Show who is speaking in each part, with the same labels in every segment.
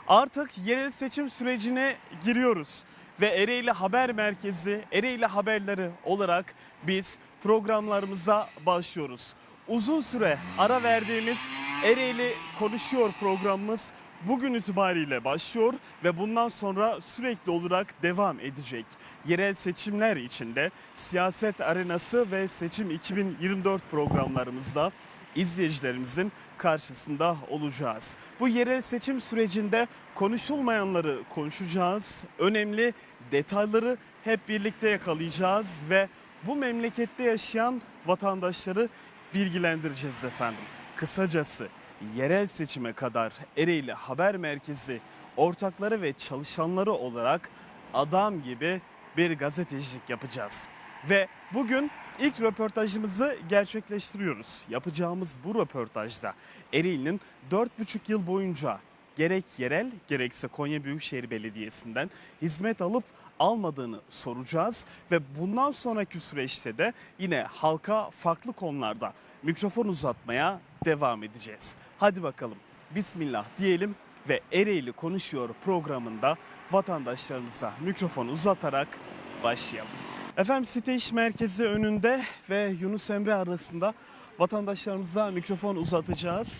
Speaker 1: Artık yerel seçim sürecine giriyoruz ve Ereğli Haber Merkezi, Ereğli Haberleri olarak biz programlarımıza başlıyoruz. Uzun süre ara verdiğimiz Ereğli Konuşuyor programımız bugün itibariyle başlıyor ve bundan sonra sürekli olarak devam edecek. Yerel seçimler içinde siyaset arenası ve seçim 2024 programlarımızda izleyicilerimizin karşısında olacağız. Bu yerel seçim sürecinde konuşulmayanları konuşacağız. Önemli detayları hep birlikte yakalayacağız ve bu memlekette yaşayan vatandaşları bilgilendireceğiz efendim. Kısacası yerel seçime kadar Ereğli Haber Merkezi ortakları ve çalışanları olarak adam gibi bir gazetecilik yapacağız. Ve bugün ilk röportajımızı gerçekleştiriyoruz. Yapacağımız bu röportajda Ereğli'nin 4,5 yıl boyunca gerek yerel gerekse Konya Büyükşehir Belediyesi'nden hizmet alıp almadığını soracağız. Ve bundan sonraki süreçte de yine halka farklı konularda mikrofon uzatmaya devam edeceğiz. Hadi bakalım bismillah diyelim ve Ereğli Konuşuyor programında vatandaşlarımıza mikrofon uzatarak başlayalım. Efendim site iş merkezi önünde ve Yunus Emre arasında vatandaşlarımıza mikrofon uzatacağız.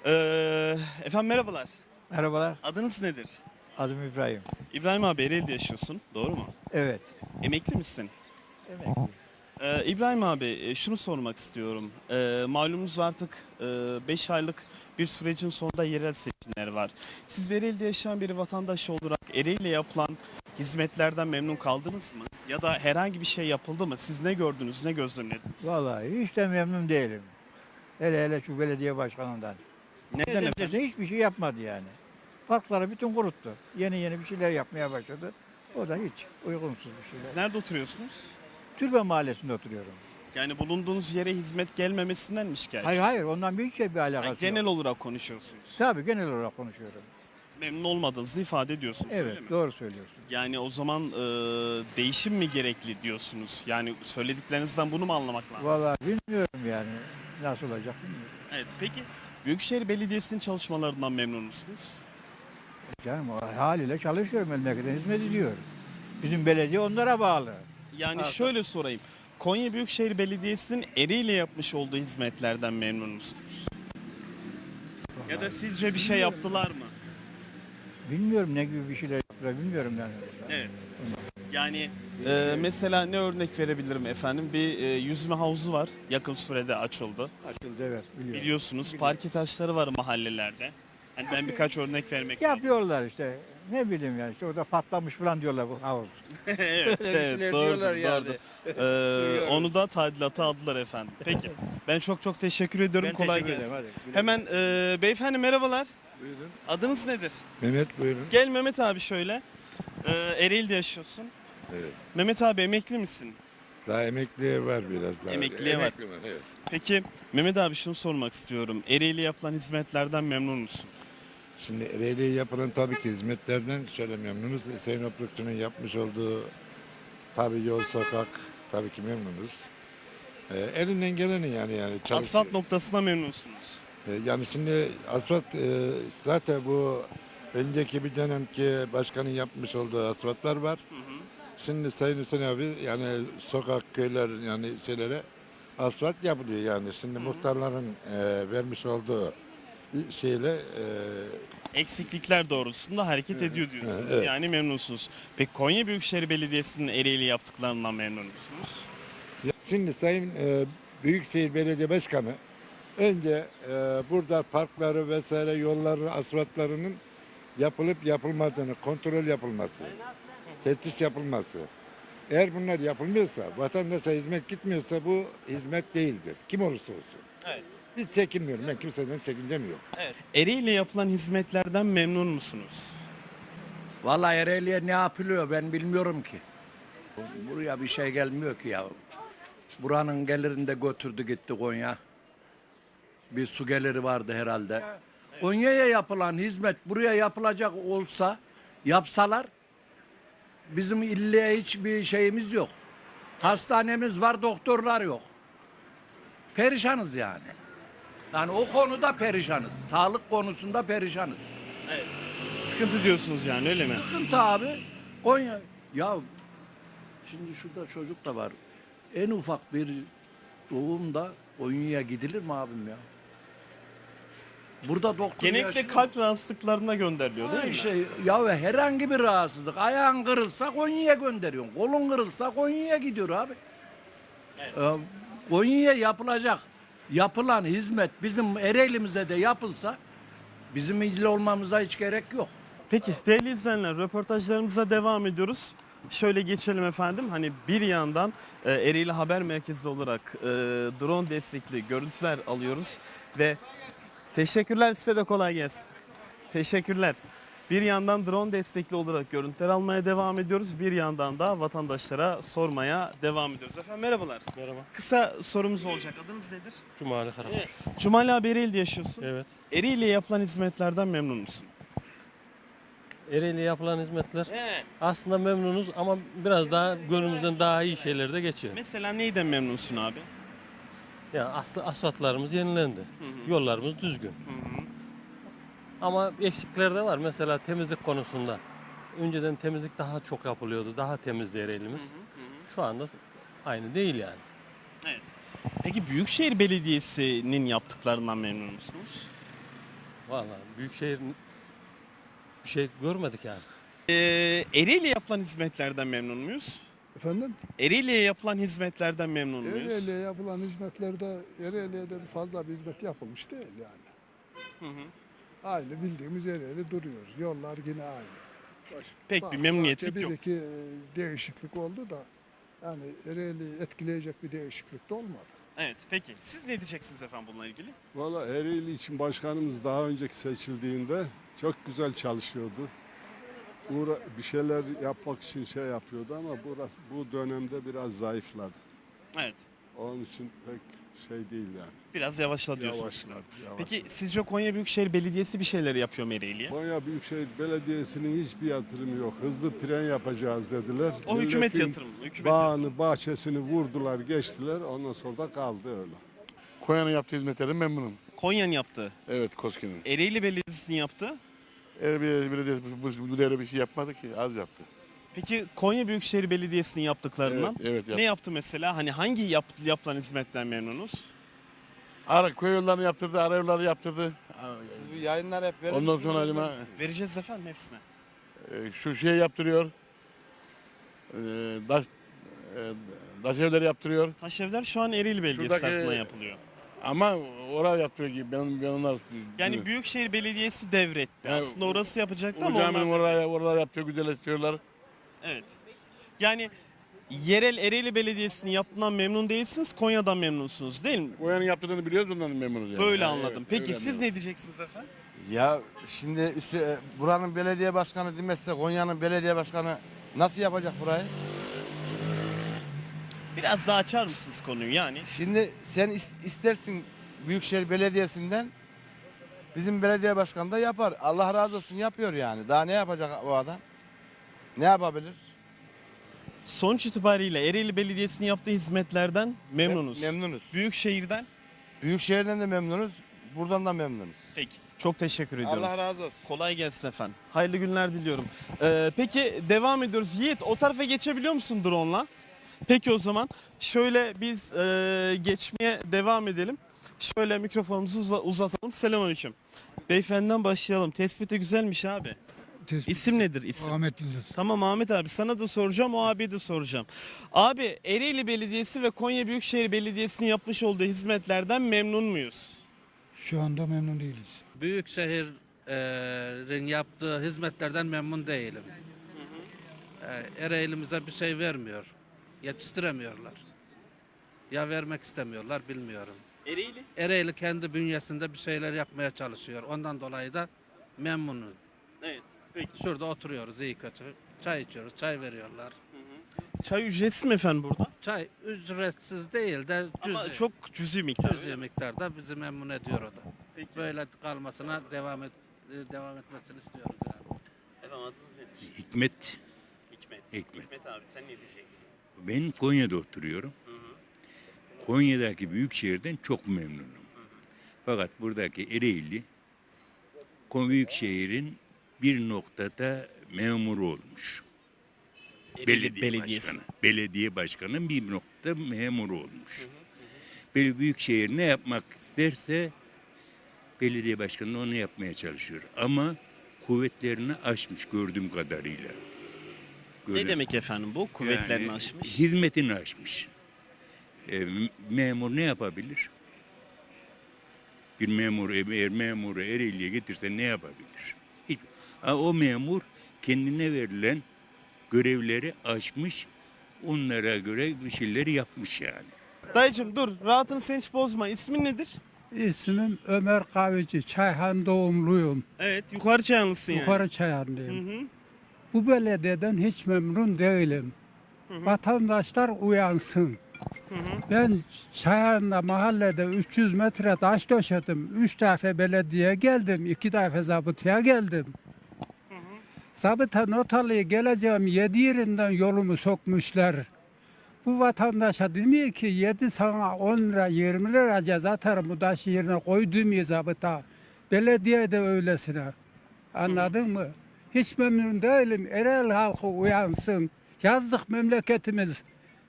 Speaker 1: Efendim merhabalar.
Speaker 2: Merhabalar,
Speaker 1: Adınız nedir?
Speaker 2: adım İbrahim.
Speaker 1: İbrahim abi Ereğli'de yaşıyorsun, doğru mu?
Speaker 2: Evet.
Speaker 1: Emekli misin?
Speaker 2: Emekli.
Speaker 1: İbrahim abi şunu sormak istiyorum. Malumunuz artık 5 aylık bir sürecin sonunda yerel seçimler var. Siz Ereğli'de yaşayan bir vatandaş olarak Ereğli'ye yapılan hizmetlerden memnun kaldınız mı? Ya da herhangi bir şey yapıldı mı? Siz ne gördünüz, ne gözlemlediniz?
Speaker 2: Vallahi hiç de memnun değilim. Hele şu belediye başkanından.
Speaker 1: Neden
Speaker 2: Neden
Speaker 1: efendim?
Speaker 2: dese hiçbir şey yapmadı yani. Parkları bütün kuruttu. Yeni bir şeyler yapmaya başladı. O da hiç uygunsuz bir
Speaker 1: Siz
Speaker 2: şeyler.
Speaker 1: nerede oturuyorsunuz?
Speaker 2: Türbe Mahallesi'nde oturuyorum.
Speaker 1: Yani bulunduğunuz yere hizmet gelmemesinden mi şikayetçisiniz?
Speaker 2: Hayır, ondan bir şey bir alakası
Speaker 1: Yani genel
Speaker 2: yok.
Speaker 1: olarak konuşuyorsunuz.
Speaker 2: Tabii genel olarak konuşuyorum.
Speaker 1: Memnun olmadığınızı ifade ediyorsunuz, öyle
Speaker 2: Evet,
Speaker 1: mi?
Speaker 2: doğru söylüyorsun.
Speaker 1: Yani o zaman değişim mi gerekli diyorsunuz? Yani söylediklerinizden bunu mu anlamak lazım?
Speaker 2: Vallahi bilmiyorum yani nasıl olacak bilmiyorum.
Speaker 1: Evet, peki Büyükşehir Belediyesi'nin çalışmalarından memnun musunuz?
Speaker 2: Canım o haliyle çalışıyor, memlekete hizmet ediyor. Bizim belediye onlara bağlı.
Speaker 1: Yani
Speaker 2: Ha,
Speaker 1: şöyle sorayım. Konya Büyükşehir Belediyesi'nin Ereğli'yle yapmış olduğu hizmetlerden memnun musunuz? Ya da sizce bir şey yaptılar mı?
Speaker 2: Bilmiyorum ne gibi bir şeyler yaptılar bilmiyorum yani.
Speaker 1: Evet. Yani mesela ne örnek verebilirim efendim? Bir yüzme havuzu var. Yakın sürede açıldı.
Speaker 2: Açıldı evet biliyorum.
Speaker 1: Biliyorsunuz parke taşları var mahallelerde. Hani ben birkaç örnek vermek istiyorum.
Speaker 2: Yapıyorlar işte. Ne bileyim yani işte orada patlamış falan diyorlar bu havuz.
Speaker 1: Evet,
Speaker 2: Öyle
Speaker 1: evet
Speaker 2: şeyler
Speaker 1: doğrudur,
Speaker 2: diyorlar yani.
Speaker 1: doğrudur. Onu da tadilata aldılar efendim. Peki ben çok teşekkür ediyorum.
Speaker 2: Ben
Speaker 1: Kolay
Speaker 2: teşekkür
Speaker 1: gelsin.
Speaker 2: ederim, hadi.
Speaker 1: Hemen beyefendi merhabalar.
Speaker 3: Buyurun.
Speaker 1: Adınız nedir?
Speaker 3: Mehmet buyurun.
Speaker 1: Gel Mehmet abi şöyle. Ereğli'de yaşıyorsun.
Speaker 3: Evet.
Speaker 1: Mehmet abi emekli misin?
Speaker 3: Daha emekliye var biraz daha.
Speaker 1: Emekliye var.
Speaker 3: Emekli evet.
Speaker 1: Peki Mehmet abi şunu sormak istiyorum. Ereğli yapılan hizmetlerden memnun musun?
Speaker 3: Şimdi Ereğli'ye yapılan tabii ki hizmetlerden şöyle memnunuz. Hüseyin Oprukçu'nun yapmış olduğu tabii yol, sokak tabii ki memnunuz. Elinden geleni yani çalışıyor.
Speaker 1: Asfalt noktasına memnunsunuz.
Speaker 3: Yani şimdi asfalt zaten bu önceki bir dönemki başkanın yapmış olduğu asfaltlar var. Şimdi Sayın Hüseyin abi yani sokak, köyler yani şeylere asfalt yapılıyor yani. Şimdi muhtarların vermiş olduğu şeyle
Speaker 1: Eksiklikler doğrultusunda hareket ediyor diyorsunuz.
Speaker 3: Evet.
Speaker 1: Yani memnunsunuz. Peki Konya Büyükşehir Belediyesi'nin Ereğli yaptıklarından memnun musunuz?
Speaker 3: şimdi Sayın Büyükşehir Belediye Başkanı önce burada parkları vesaire yolları asfaltlarının yapılıp yapılmadığını kontrol yapılması, teftiş yapılması. Eğer bunlar yapılmıyorsa, vatandaşa hizmet gitmiyorsa bu hizmet değildir. Kim olursa olsun.
Speaker 1: Evet.
Speaker 3: Biz çekinmiyorum. Ben kimseden çekincem yok.
Speaker 1: Evet. Ereğli'yle yapılan hizmetlerden memnun musunuz?
Speaker 4: Vallahi Ereğli'ye ne yapılıyor ben bilmiyorum ki. Buraya bir şey gelmiyor ki ya. Buranın gelirini de götürdü gitti Konya. Bir su geliri vardı herhalde. Konya'ya yapılan hizmet buraya yapılacak olsa yapsalar bizim illiye hiçbir şeyimiz yok. Hastanemiz var, doktorlar yok. Perişanız yani. Yani o konuda perişanız. Sağlık konusunda perişanız.
Speaker 1: sıkıntı diyorsunuz yani, öyle mi?
Speaker 4: Sıkıntı abi. Konya ya şimdi şurada çocuk da var. En ufak bir doğumda Konya'ya gidilir mi abim ya? Burada doktor
Speaker 1: Genellikle
Speaker 4: yaşıyor.
Speaker 1: kalp rahatsızlıklarına gönderiliyor değil mi?
Speaker 4: Şey, ya herhangi bir rahatsızlık. Ayağın kırılsa Konya'ya gönderiyorsun. Kolun kırılsa Konya'ya gidiyor abi. Konya'ya yapılan hizmet bizim Ereğli'mize de yapılsa bizim ilgili olmamıza hiç gerek yok.
Speaker 1: Peki değerli izleyenler, röportajlarımıza devam ediyoruz. Şöyle geçelim efendim. Hani bir yandan Ereğli Haber Merkezi olarak drone destekli görüntüler alıyoruz ve teşekkürler, size de kolay gelsin. Teşekkürler. Bir yandan drone destekli olarak görüntüler almaya devam ediyoruz. Bir yandan da vatandaşlara sormaya devam ediyoruz. Efendim merhabalar.
Speaker 5: Merhaba.
Speaker 1: Kısa sorumuz olacak. Adınız nedir?
Speaker 5: Cumali Karakuş.
Speaker 1: Cumali abi, Ereğli'de yaşıyorsun.
Speaker 5: Evet.
Speaker 1: Ereğli'ye yapılan hizmetlerden memnun musun?
Speaker 5: Ereğli'ye yapılan hizmetler aslında memnunuz ama biraz daha gönlümüzden daha iyi şeyler de geçiyor.
Speaker 1: Mesela neyden memnunsun abi?
Speaker 5: Yani aslında asfaltlarımız yenilendi. Yollarımız düzgün. Ama eksikler de var. Mesela temizlik konusunda. Önceden temizlik daha çok yapılıyordu. Daha temizdi Ereğli'miz. Şu anda aynı değil yani.
Speaker 1: Evet. Peki Büyükşehir Belediyesi'nin yaptıklarından memnun musunuz?
Speaker 5: Vallahi Büyükşehir bir şey görmedik yani.
Speaker 1: Ereğli'ye yapılan hizmetlerden memnun muyuz?
Speaker 6: Efendim?
Speaker 1: Ereğli'ye yapılan hizmetlerden memnun muyuz?
Speaker 6: Ereğli'ye yapılan hizmetlerde Ereğli'ye de fazla bir hizmet yapılmış değil yani. Aynı bildiğimiz Ereğli duruyor. Yollar yine aynı.
Speaker 1: Pek bir memnuniyetlik yok.
Speaker 6: Bir iki değişiklik oldu da yani Ereğli'yi etkileyecek bir değişiklik de olmadı.
Speaker 1: Evet, peki. Siz ne diyeceksiniz efendim bununla ilgili?
Speaker 7: Valla Ereğli için başkanımız daha önceki seçildiğinde çok güzel çalışıyordu. Bir şeyler yapmak için şey yapıyordu ama bu dönemde biraz zayıfladı.
Speaker 1: Evet.
Speaker 7: Onun için pek şey değil yani.
Speaker 1: Biraz yavaşla diyorsunuz.
Speaker 7: Yavaşladı.
Speaker 1: Peki sizce Konya Büyükşehir Belediyesi bir şeyler yapıyor mu Ereğli'ye?
Speaker 7: Konya Büyükşehir Belediyesi'nin hiçbir yatırımı yok. Hızlı tren yapacağız dediler.
Speaker 1: O hükümet
Speaker 7: Milletin
Speaker 1: yatırımı. Hükümet
Speaker 7: bağını, bahçesini vurdular, geçtiler. Ondan sonra da kaldı öyle.
Speaker 8: Konya'nın yaptığı hizmetlerden memnunum.
Speaker 1: Konya'nın yaptığı.
Speaker 8: Evet, KOSGEB'in.
Speaker 1: Ereğli Belediyesi'nin yaptığı.
Speaker 8: Ereğli Belediyesi bu devre bir şey yapmadı ki, az yaptı.
Speaker 1: Peki Konya Büyükşehir Belediyesi'nin yaptıklarından
Speaker 8: Evet, yaptı.
Speaker 1: ne yaptı mesela? Hani hangi yapılan hizmetten memnunuz?
Speaker 8: Köy yollarını yaptırdı, ara yolları yaptırdı.
Speaker 9: Siz bu yayınlar hep verir
Speaker 8: Ondan
Speaker 9: misiniz?
Speaker 8: sonra acaba,
Speaker 1: Vereceğiz efendim hepsine.
Speaker 8: şu şey yaptırıyor. Daş, daş evleri yaptırıyor.
Speaker 1: Taşevler şu an Ereğli Belediyesi
Speaker 8: Şuradaki-
Speaker 1: tarafından yapılıyor.
Speaker 8: Ama oraya yaptırıyor gibi. Ben onlar.
Speaker 1: Yani Büyükşehir Belediyesi devretti.
Speaker 8: Yani
Speaker 1: Aslında orası yapacaktı
Speaker 8: o
Speaker 1: ama
Speaker 8: caminin
Speaker 1: onlar...
Speaker 8: oralar yaptırıyor, güzelleştiriyorlar.
Speaker 1: Evet. Yani yerel Ereğli Belediyesi'nin yaptığından memnun değilsiniz, Konya'dan memnunsunuz değil mi?
Speaker 8: Konya'nın yaptığını biliyoruz, ondan memnunuz yani.
Speaker 1: Böyle
Speaker 8: Yani
Speaker 1: anladım.
Speaker 8: evet,
Speaker 1: Peki
Speaker 8: öyle
Speaker 1: siz
Speaker 8: anladım.
Speaker 1: ne diyeceksiniz efendim?
Speaker 9: Ya şimdi buranın belediye başkanı demezse Konya'nın belediye başkanı nasıl yapacak burayı?
Speaker 1: Biraz daha açar mısınız konuyu yani?
Speaker 9: Şimdi sen istersin Büyükşehir Belediyesi'nden bizim belediye başkanı da yapar. Allah razı olsun yapıyor yani. Daha ne yapacak o adam? Ne yapabilir?
Speaker 1: Sonuç itibariyle Ereğli Belediyesi'nin yaptığı hizmetlerden memnunuz.
Speaker 9: Memnunuz.
Speaker 1: Büyükşehir'den?
Speaker 9: Büyükşehir'den de memnunuz. Buradan da memnunuz.
Speaker 1: Peki. Çok teşekkür ediyorum.
Speaker 9: Allah razı olsun.
Speaker 1: Kolay gelsin efendim. Hayırlı günler diliyorum. Peki devam ediyoruz. Yiğit, o tarafa geçebiliyor musun drone'la? Peki o zaman şöyle biz geçmeye devam edelim. Şöyle mikrofonumuzu uzatalım. Selamünaleyküm. Beyefendiden başlayalım. Tespiti güzelmiş abi. İsim nedir isim?
Speaker 6: Ahmet Yıldız.
Speaker 1: Tamam Ahmet abi, sana da soracağım, o abiye de soracağım. Abi Ereğli Belediyesi ve Konya Büyükşehir Belediyesi'nin yapmış olduğu hizmetlerden memnun muyuz?
Speaker 6: Şu anda memnun değiliz.
Speaker 10: Büyükşehir'in yaptığı hizmetlerden memnun değilim. Ereğli'mize bir şey vermiyor. Yetiştiremiyorlar. Ya vermek istemiyorlar, bilmiyorum.
Speaker 1: Ereğli?
Speaker 10: Ereğli kendi bünyesinde bir şeyler yapmaya çalışıyor. Ondan dolayı da memnunum.
Speaker 1: Evet. Peki.
Speaker 10: Şurada oturuyoruz iyi kötü. Çay içiyoruz, çay veriyorlar.
Speaker 1: Çay ücretsiz mi efendim burada?
Speaker 10: Çay ücretsiz değil de
Speaker 1: Ama
Speaker 10: cüzi,
Speaker 1: çok cüzi miktar.
Speaker 10: cüzi miktarda bizi memnun ediyor o da.
Speaker 1: Peki.
Speaker 10: Böyle kalmasına devam etmesini istiyoruz yani.
Speaker 1: Efendim adınız nedir?
Speaker 11: Hikmet.
Speaker 1: Hikmet.
Speaker 11: Hikmet.
Speaker 1: Hikmet abi sen ne diyeceksin?
Speaker 11: Ben Konya'da oturuyorum. Konya'daki büyük şehirden çok memnunum. Fakat buradaki Ereğli, büyük şehrin bir noktada memur olmuş.
Speaker 1: Ereğli
Speaker 11: Belediye başkanı. Belediye başkanı bir noktada memur olmuş. Böyle büyükşehir ne yapmak isterse belediye başkanı onu yapmaya çalışıyor. Ama kuvvetlerini aşmış gördüğüm kadarıyla.
Speaker 1: Ne demek efendim bu? Kuvvetlerini
Speaker 11: Yani
Speaker 1: aşmış.
Speaker 11: hizmetini aşmış. Memur ne yapabilir? Bir memur, eğer memuru Ereğli'ye getirse ne yapabilir? Hiç. O memur kendine verilen görevleri aşmış, onlara göre bir şeyleri yapmış yani.
Speaker 1: Dayıcım dur, rahatını sen hiç bozma. İsmin nedir?
Speaker 12: İsmim Ömer Kahveci. Çayhan doğumluyum.
Speaker 1: Evet, yukarı Çayanlısın yani.
Speaker 12: Yukarı Çayhanlıyım.
Speaker 1: Hı hı.
Speaker 12: Bu belediyeden hiç memnun değilim. Vatandaşlar uyansın. Ben Çayhan'da mahallede 300 metre taş döşedim. 3 defa belediye geldim. 2 defa zabıtaya geldim. Zabıta notalıya geleceğim 7 yerinden yolumu sokmuşlar. Bu vatandaşa demiyor ki 7 sana 10 lira 20 lira ceza atarım bu taşı yerine koy demiyor zabıta. Belediye de öylesine. Anladın mı? Hiç memnun değilim. Ereğli halkı uyansın. Yazdık memleketimiz.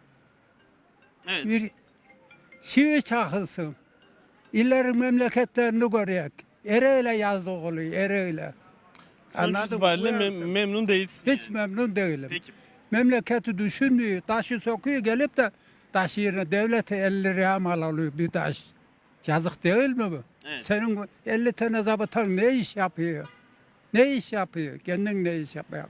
Speaker 1: Evet.
Speaker 12: Bir çivi çakılsın. İllerin memleketlerini görüyoruz. Ereğli yazdık oluyor. Ereğli.
Speaker 1: Sonuç itibariyle
Speaker 12: Uyansın.
Speaker 1: memnun değilsin.
Speaker 12: Hiç memnun değilim.
Speaker 1: Peki.
Speaker 12: Memleketi düşünmüyor. Taşı sokuyor gelip de taş yerine devlete 50 liraya mal alıyor bir taş. Yazık değil mi bu?
Speaker 1: Evet.
Speaker 12: Senin 50 tane zabıtan ne iş yapıyor? Ne iş yapıyor? Kendin ne iş yapıyor?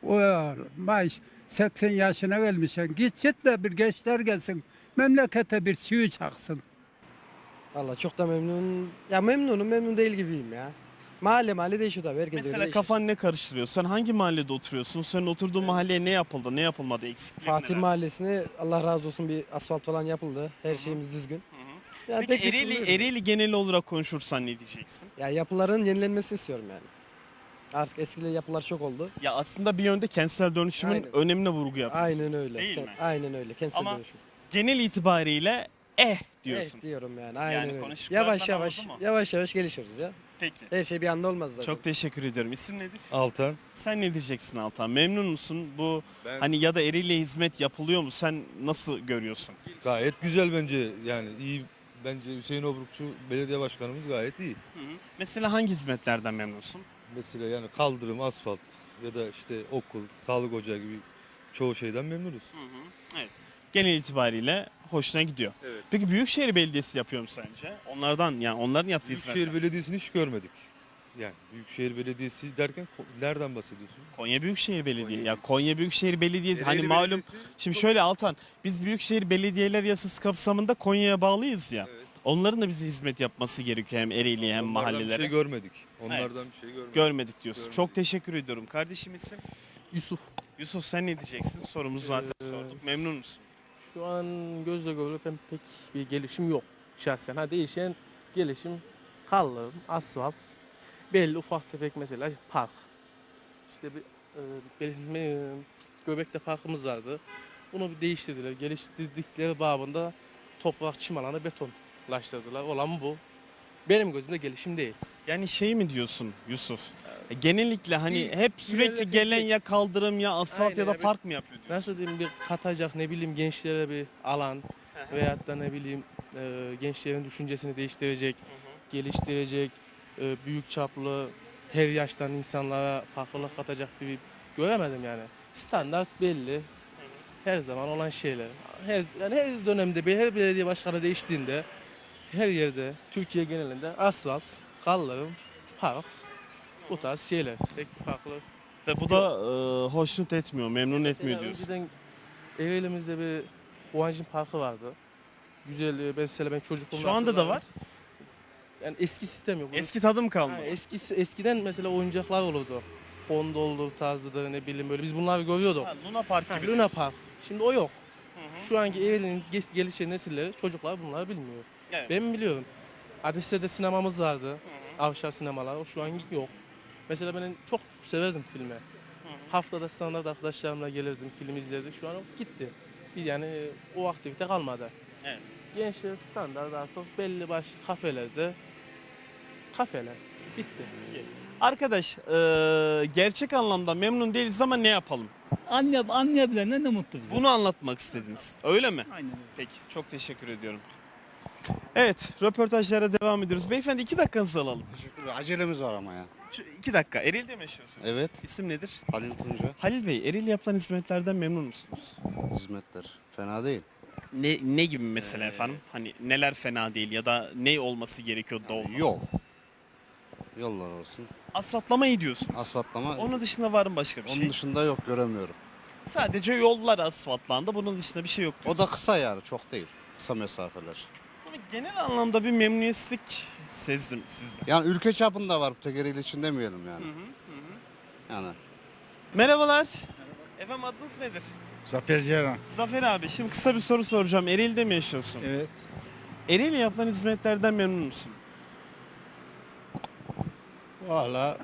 Speaker 12: Olmaz. 80 yaşına gelmişsin. Git de bir gençler gelsin. Memlekete bir çivi çaksın.
Speaker 13: Valla çok da memnun. Ya memnunum, memnun değil gibiyim ya. Mahalle değişiyor tabii. Herkes öyle
Speaker 1: Mesela
Speaker 13: değişiyor.
Speaker 1: kafan ne karıştırıyor? Sen hangi mahallede oturuyorsun? Senin oturduğun mahalleye ne yapıldı, ne yapılmadı? Eksikleri
Speaker 13: Fatih
Speaker 1: neler?
Speaker 13: Mahallesi'ne Allah razı olsun bir asfalt falan yapıldı. Her şeyimiz düzgün. Yani
Speaker 1: Peki
Speaker 13: pek bir sıkıntı yok.
Speaker 1: Ereğli genel olarak konuşursan ne diyeceksin?
Speaker 13: Ya yapıların yenilenmesini istiyorum yani. Artık eskili yapılar çok oldu.
Speaker 1: Ya aslında bir yönde kentsel dönüşümün
Speaker 13: Aynen.
Speaker 1: önemine vurgu yapıyorsun.
Speaker 13: Aynen öyle.
Speaker 1: Değil mi?
Speaker 13: Aynen öyle. Kentsel
Speaker 1: Ama
Speaker 13: dönüşüm.
Speaker 1: genel itibariyle diyorsun.
Speaker 13: Evet diyorum yani. Aynen
Speaker 1: Yani
Speaker 13: öyle.
Speaker 1: konuştuklarından
Speaker 13: Yavaş yavaş,
Speaker 1: anladın mı?
Speaker 13: yavaş yavaş gelişiyoruz ya.
Speaker 1: Peki.
Speaker 13: Her şey bir anda olmaz zaten.
Speaker 1: Çok teşekkür ediyorum. İsim nedir?
Speaker 8: Altan.
Speaker 1: Sen ne diyeceksin Altan? Memnun musun? Bu
Speaker 8: Ben
Speaker 1: hani ya da Ereğli'ye hizmet yapılıyor mu? Sen nasıl görüyorsun?
Speaker 8: gayet güzel bence. Yani iyi. Bence Hüseyin Obrukçu belediye başkanımız gayet iyi.
Speaker 1: Mesela hangi hizmetlerden memnunsun?
Speaker 8: Mesela yani kaldırım, asfalt ya da işte okul, sağlık ocağı gibi çoğu şeyden memnunuz.
Speaker 1: Evet. Genel itibariyle hoşuna gidiyor.
Speaker 8: Evet.
Speaker 1: Peki Büyükşehir Belediyesi yapıyor mu sence? Onların yaptığı
Speaker 8: Büyükşehir
Speaker 1: hizmetler.
Speaker 8: Belediyesi'ni hiç görmedik. Yani Büyükşehir Belediyesi derken nereden bahsediyorsun?
Speaker 1: Konya Büyükşehir Belediye.
Speaker 8: Konya
Speaker 1: Ya Konya Büyükşehir Belediyesi hani
Speaker 8: Ereğli
Speaker 1: malum.
Speaker 8: Belediyesi
Speaker 1: Şimdi
Speaker 8: çok-
Speaker 1: şöyle Altan, biz Büyükşehir Belediyeler Yasası kapsamında Konya'ya bağlıyız ya.
Speaker 8: Evet.
Speaker 1: Onların da bize hizmet yapması gerekiyor hem Ereğli'ye hem
Speaker 8: Onlardan
Speaker 1: mahallelere.
Speaker 8: bir şey görmedik. Onlardan bir şey görmedik.
Speaker 1: Görmedik diyorsun.
Speaker 8: Görmedik.
Speaker 1: Çok teşekkür ediyorum. Kardeşim isim?
Speaker 14: Yusuf.
Speaker 1: Yusuf sen ne diyeceksin? Sorumuzu zaten sorduk. Memnun musun?
Speaker 14: Şu an gözle görülüp pek bir gelişim yok şahsen. Ha değişen gelişim kaldırım, asfalt, belli ufak tefek mesela park. İşte Göbek'te parkımız vardı. Bunu bir değiştirdiler. Geliştirdikleri babında toprak çim alanı betonlaştırdılar. Olan bu. Benim gözümde gelişim değil.
Speaker 1: Yani şey mi diyorsun Yusuf? Genellikle hani hep sürekli
Speaker 14: ilerletecek.
Speaker 1: gelen ya kaldırım ya asfalt
Speaker 14: Aynen
Speaker 1: ya da
Speaker 14: abi.
Speaker 1: park mı yapıyor diyorsun?
Speaker 14: Nasıl diyeyim bir katacak ne bileyim gençlere bir alan veyahut da ne bileyim gençlerin düşüncesini değiştirecek, geliştirecek, büyük çaplı her yaştan insanlara farklılık katacak bir göremedim yani. Standart belli. Her zaman olan şeyler. Her dönemde her belediye başkanı değiştiğinde her yerde Türkiye genelinde asfalt, kaldırım, park bu tarz şeyler. Pek bir farklı.
Speaker 1: Ve bu da hoşnut etmiyor, memnun etmiyor
Speaker 14: Mesela
Speaker 1: diyorsun.
Speaker 14: önceden Ereğli'mizde bir Huancin Parkı vardı. Güzel, mesela ben çocukluğumda
Speaker 1: Şu anda da
Speaker 14: hatırlarım.
Speaker 1: var.
Speaker 14: Yani eski sistem yok.
Speaker 1: Eski tadım kaldı.
Speaker 14: Ha, eskiden mesela oyuncaklar olurdu. Hondoldu tarzıdır ne bileyim böyle biz bunları görüyorduk.
Speaker 1: Ha, Luna Park gibi.
Speaker 14: Luna Park. Şimdi o yok. Şu anki Ereğli'nin gelişen nesilleri çocuklar bunları bilmiyor.
Speaker 1: Evet.
Speaker 14: Ben biliyorum. Adres'te sinemamız vardı. Avşar sinemalar. O şu an yok. Mesela ben çok severdim filmi. Haftada standart arkadaşlarımla gelirdim, film izlerdik. Şu an o gitti. Yani o aktivite kalmadı.
Speaker 1: Evet.
Speaker 14: Gençler standart artık belli başlı kafelerde kafeler. Bitti.
Speaker 1: Arkadaş gerçek anlamda memnun değiliz ama ne yapalım?
Speaker 12: Anlayabilene ne mutlu bize.
Speaker 1: Bunu anlatmak istediniz. Öyle mi?
Speaker 12: Aynen öyle.
Speaker 1: Peki çok teşekkür ediyorum. Evet röportajlara devam ediyoruz. Beyefendi 2 dakikanızı alalım.
Speaker 15: Teşekkürler. Acelemiz var ama ya.
Speaker 1: Şu 2 dakika. Ereğli'de mi yaşıyorsunuz?
Speaker 15: Evet.
Speaker 1: İsim nedir?
Speaker 15: Halil Tunca.
Speaker 1: Halil Bey, Ereğli yapılan hizmetlerden memnun musunuz?
Speaker 15: Hizmetler. Fena değil.
Speaker 1: Ne gibi mesela efendim? Hani neler fena değil ya da ne olması gerekiyor da olmalı?
Speaker 15: Yol. Yollar olsun.
Speaker 1: Asfaltlama iyi diyorsun.
Speaker 15: Asfaltlama.
Speaker 1: Onun dışında var mı başka bir
Speaker 15: Onun
Speaker 1: şey?
Speaker 15: dışında yok, göremiyorum.
Speaker 1: Sadece yollar asfaltlandı. Bunun dışında bir şey yok
Speaker 15: O
Speaker 1: diyorsun.
Speaker 15: da kısa yani, çok değil. Kısa mesafeler.
Speaker 1: Ama genel anlamda bir memnuniyetsizlik sezdim sizde.
Speaker 15: Yani ülke çapında var, tek Ereğli için demeyelim yani. Yani.
Speaker 1: Merhabalar. Efendim adınız nedir?
Speaker 3: Zafer Ceylan.
Speaker 1: Zafer abi şimdi kısa bir soru soracağım. Ereğli'de mi yaşıyorsun?
Speaker 3: Evet.
Speaker 1: Ereğli yapılan hizmetlerden memnun musun?
Speaker 3: Valla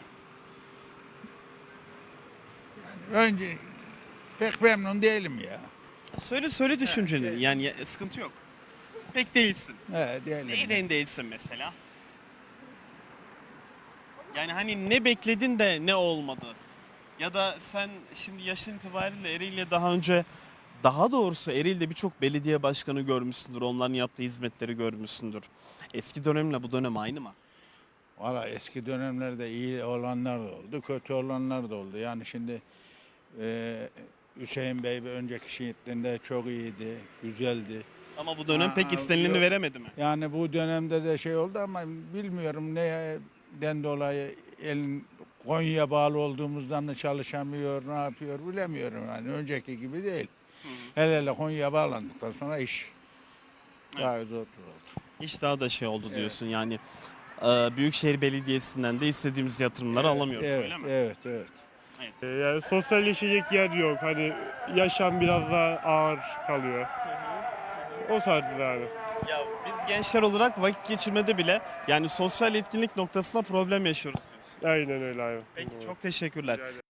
Speaker 3: önce pek memnun değilim ya.
Speaker 1: Söyle düşünceni. Yani sıkıntı yok. Pek değilsin.
Speaker 3: Evet değilim.
Speaker 1: Neyden değilsin mesela? Yani hani ne bekledin de ne olmadı? Ya da sen şimdi yaşın itibariyle Ereğli'ye daha doğrusu Ereğli'de birçok belediye başkanı görmüşsündür. Onların yaptığı hizmetleri görmüşsündür. Eski dönemle bu dönem aynı mı?
Speaker 3: Valla eski dönemlerde iyi olanlar da oldu, kötü olanlar da oldu. Yani şimdi Hüseyin Bey bir önceki şehitliğinde çok iyiydi, güzeldi.
Speaker 1: Ama bu dönem pek istenileni
Speaker 3: yok.
Speaker 1: veremedi mi?
Speaker 3: Yani bu dönemde de şey oldu ama bilmiyorum neden dolayı Konya'ya bağlı olduğumuzdan da çalışamıyor, ne yapıyor bilemiyorum. Yani önceki gibi değil. Hele Konya'ya bağlandıktan sonra iş daha zor oldu.
Speaker 1: Hiç daha da şey oldu diyorsun yani. Büyükşehir Belediyesi'nden de istediğimiz yatırımları alamıyoruz öyle mi?
Speaker 3: Evet.
Speaker 7: Yani sosyalleşecek yer yok. Hani yaşam biraz daha ağır kalıyor. O tarzda yani.
Speaker 1: Ya biz gençler olarak vakit geçirmede bile yani sosyal etkinlik noktasında problem yaşıyoruz diyorsun.
Speaker 7: Aynen öyle abi.
Speaker 1: Peki çok teşekkürler.